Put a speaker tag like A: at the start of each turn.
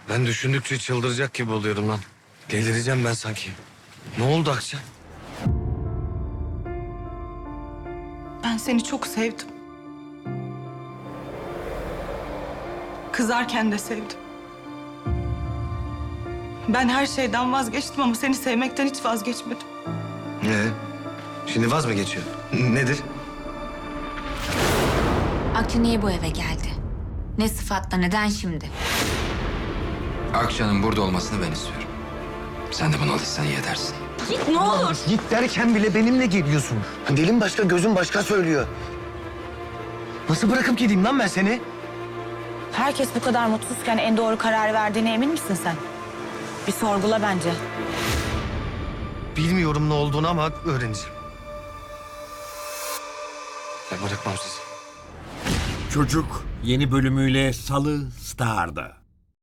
A: Ben düşündükçe çıldıracak gibi oluyorum lan. Delireceğim ben sanki. Ne oldu Akça?
B: Ben seni çok sevdim. Kızarken de sevdim. Ben her şeyden vazgeçtim ama seni sevmekten hiç vazgeçmedim.
A: Şimdi vaz mı geçiyor? Nedir?
C: Akça niye bu eve geldi? Ne sıfatla, neden şimdi?
D: Akça'nın burada olmasını ben istiyorum. Sen de buna alışsan iyi edersin.
C: Git ne olur.
E: Git derken bile benimle geliyorsun. Dilin başka, gözün başka söylüyor. Nasıl bırakıp gideyim lan ben seni?
F: Herkes bu kadar mutsuzken en doğru kararı verdiğine emin misin sen? Bir sorgula bence.
A: Bilmiyorum ne olduğunu ama öğreneceğim. Ben bırakmam sizi.
G: Çocuk yeni bölümüyle Salı Star'da.